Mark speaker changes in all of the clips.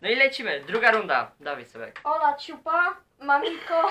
Speaker 1: No i lecimy, druga runda. Dawaj sobie.
Speaker 2: Ola Ciupa, Mamiko.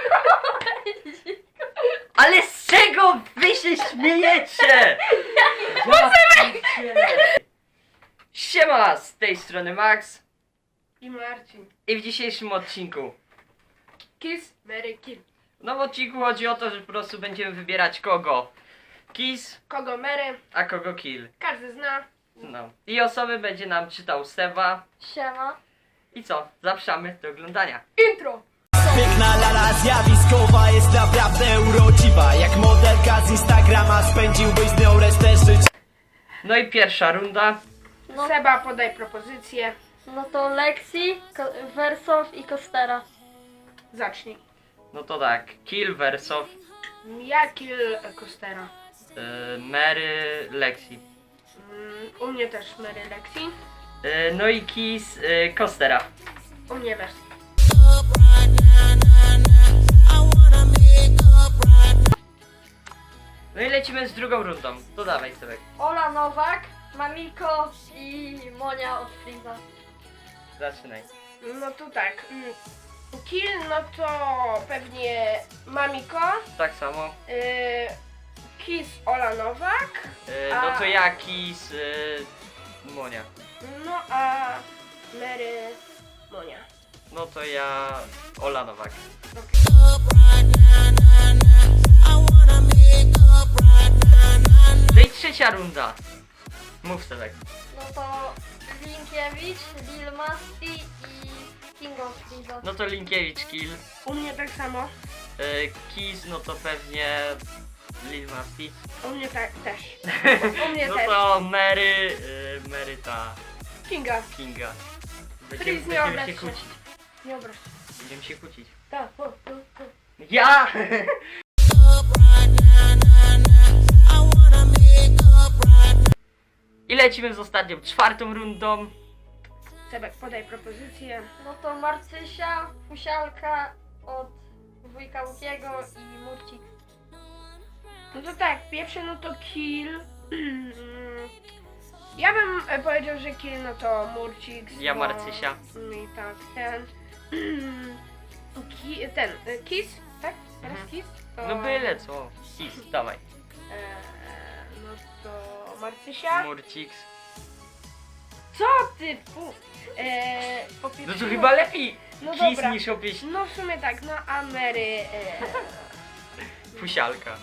Speaker 1: Ale z czego wy się śmiejecie? Ja pierdzielę. Siema, z tej strony Max.
Speaker 3: I Marcin.
Speaker 1: I w dzisiejszym odcinku.
Speaker 3: Kiss, Mary, kill.
Speaker 1: No w odcinku chodzi o to, że po prostu będziemy wybierać kogo kiss,
Speaker 3: Kogo Mary?
Speaker 1: a kogo kill.
Speaker 3: Każdy zna.
Speaker 1: No. I osoby będzie nam czytał Seba.
Speaker 2: Siema.
Speaker 1: I co? Zapraszamy do oglądania.
Speaker 3: Intro!
Speaker 4: Piękna lala zjawiskowa jest naprawdę urodziwa. Jak modelka z Instagrama spędziłbyś z nią resztę życia.
Speaker 1: No i pierwsza runda.
Speaker 2: No,
Speaker 3: Seba, podaj propozycję.
Speaker 2: no to Lexi, Wersow i Kostera.
Speaker 3: Zacznij.
Speaker 1: No to tak, kill Wersow,
Speaker 3: Ja kill Kostera.
Speaker 1: Mary Lexi.
Speaker 3: U mnie też Mary Lexi.
Speaker 1: No i kiss Kostera.
Speaker 3: U mnie też.
Speaker 1: No i lecimy z drugą rundą. To dawaj sobie.
Speaker 2: Ola Nowak, Mamiko i Monia od Freeza.
Speaker 1: Zaczynaj.
Speaker 3: No to tak. Kill, no to pewnie Mamiko.
Speaker 1: Tak samo.
Speaker 3: Kiss Ola Nowak.
Speaker 1: No to ja kiss Monia.
Speaker 3: No a Mary Monia.
Speaker 1: No to ja Ola Nowak. No i trzecia runda. Mów sobie.
Speaker 2: No to Linkiewicz, Lil Masti i King of Freeza.
Speaker 1: No to Linkiewicz kill.
Speaker 3: U mnie tak samo.
Speaker 1: Kiss no to pewnie Lil Masti.
Speaker 3: U mnie tak też. U mnie
Speaker 1: No
Speaker 3: też.
Speaker 1: to Mary, Mary ta
Speaker 3: Kinga.
Speaker 1: Kinga.
Speaker 3: Please,
Speaker 1: Będziemy
Speaker 3: nie
Speaker 1: się
Speaker 3: obraź się.
Speaker 1: kłócić.
Speaker 3: Nie obraź.
Speaker 1: Będziemy się kłócić.
Speaker 3: Tak,
Speaker 1: Ja! I lecimy z ostatnią, czwartą rundą.
Speaker 3: Sebek, podaj propozycję.
Speaker 2: No to Marcysia, Fusialka od wujka Łukiego i Murcik.
Speaker 3: No to tak, pierwszy no to kill. Ja bym powiedział, że kill no to Murcik.
Speaker 1: Ja Marcysia.
Speaker 3: I tak, ten. Kiss, tak? Teraz kiss? To,
Speaker 1: No byle co. Kiss, dawaj.
Speaker 3: No to Marcysia.
Speaker 1: Murciks.
Speaker 3: Co ty? Po
Speaker 1: No
Speaker 3: pierwsze,
Speaker 1: to chyba lepiej
Speaker 3: No
Speaker 1: kiss
Speaker 3: dobra.
Speaker 1: niż opieść
Speaker 3: No w sumie tak, no a Mary.
Speaker 1: fusialka.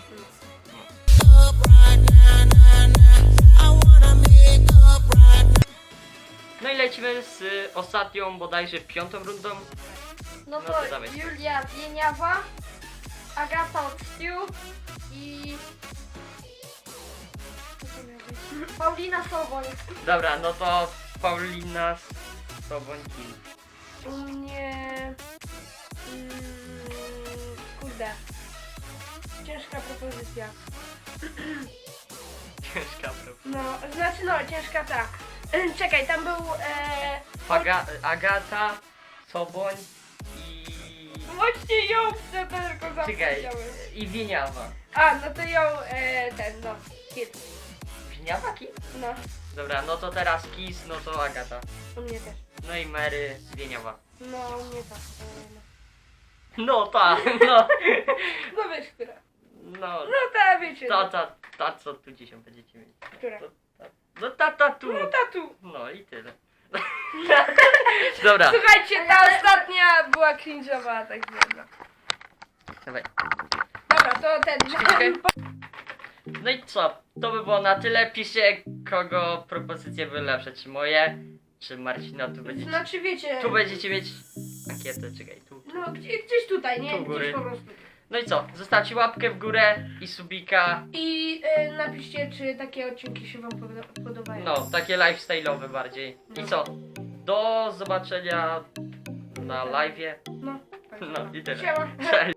Speaker 1: No i lecimy z ostatnią, bodajże piątą rundą.
Speaker 2: No
Speaker 1: No
Speaker 2: to
Speaker 1: to dawaj.
Speaker 2: Julia Wieniawa, Agata od Stu i... Co to miał być? Paulina Soboń.
Speaker 1: Dobra, no to Paulina Sobońki.
Speaker 3: U mnie. Kurde. Ciężka propozycja.
Speaker 1: Ciężka prawda.
Speaker 3: No, znaczy no, ciężka ta. Czekaj, tam był.
Speaker 1: Agata, Soboń i...
Speaker 3: Właśnie ją chcę tylko
Speaker 1: Czekaj,
Speaker 3: zapomniałem.
Speaker 1: i Wieniawa.
Speaker 3: A, no to ją ten, no. Kid.
Speaker 1: Wieniawa kim?
Speaker 3: No,
Speaker 1: Dobra, no to teraz Kiss, no to Agata.
Speaker 3: u mnie też.
Speaker 1: No i Mary Wieniawa.
Speaker 3: No, u mnie tak.
Speaker 1: No ta, no.
Speaker 3: No wiesz, która.
Speaker 1: No,
Speaker 3: No ta, wiecie.
Speaker 1: ta co tu dzisiaj będziecie mieć.
Speaker 3: Która?
Speaker 1: No ta tu.
Speaker 3: No tatu.
Speaker 1: No i tyle. Dobra,
Speaker 3: Słuchajcie, ta ostatnia była cringe'owa, tak wiem.
Speaker 1: dawaj.
Speaker 3: Dobra, to ten.
Speaker 1: Chwilkę. No i co? To by było na tyle. Piszcie, kogo propozycje były lepsze, czy moje, czy Marcina.
Speaker 3: Znaczy wiecie.
Speaker 1: Tu będziecie mieć ankietę, czekaj, tu.
Speaker 3: No gdzieś tutaj, nie?
Speaker 1: Tu u góry.
Speaker 3: Gdzieś po prostu.
Speaker 1: No i co? Zostawcie łapkę w górę i subika.
Speaker 3: I napiszcie, czy takie odcinki się wam podobają.
Speaker 1: No, takie lifestyle'owe bardziej. I co? Do zobaczenia na live'ie.
Speaker 3: No, tak.
Speaker 1: No i tyle.
Speaker 3: Siema.
Speaker 1: Cześć.